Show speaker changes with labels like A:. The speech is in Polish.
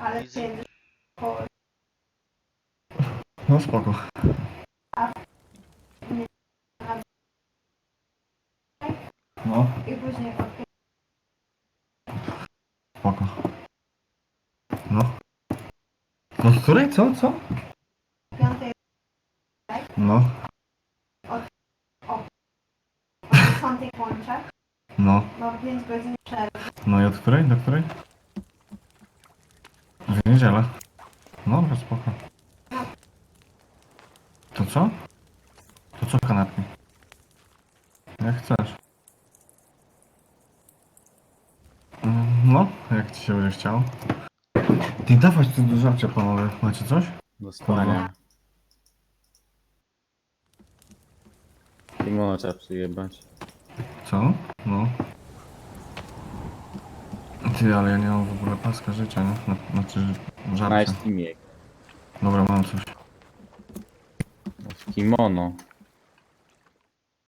A: Easy.
B: No spoko. No, spoko. No. No z której? Co? Co? No. No. No i od której? Do której? W niedzielę. Dobra, spoko. To co? To co kanapki? Jak chcesz. No, jak ci się będzie chciał. Ty dawać tu do żarcia, panowie. Macie coś?
C: Dostanie. Kimono trzeba przyjebać.
B: Co? No. Ty, ale ja nie mam w ogóle paska życia, nie? Znaczy, żarcia.
C: Nice teamie.
B: Dobra, mam coś.
C: W kimono.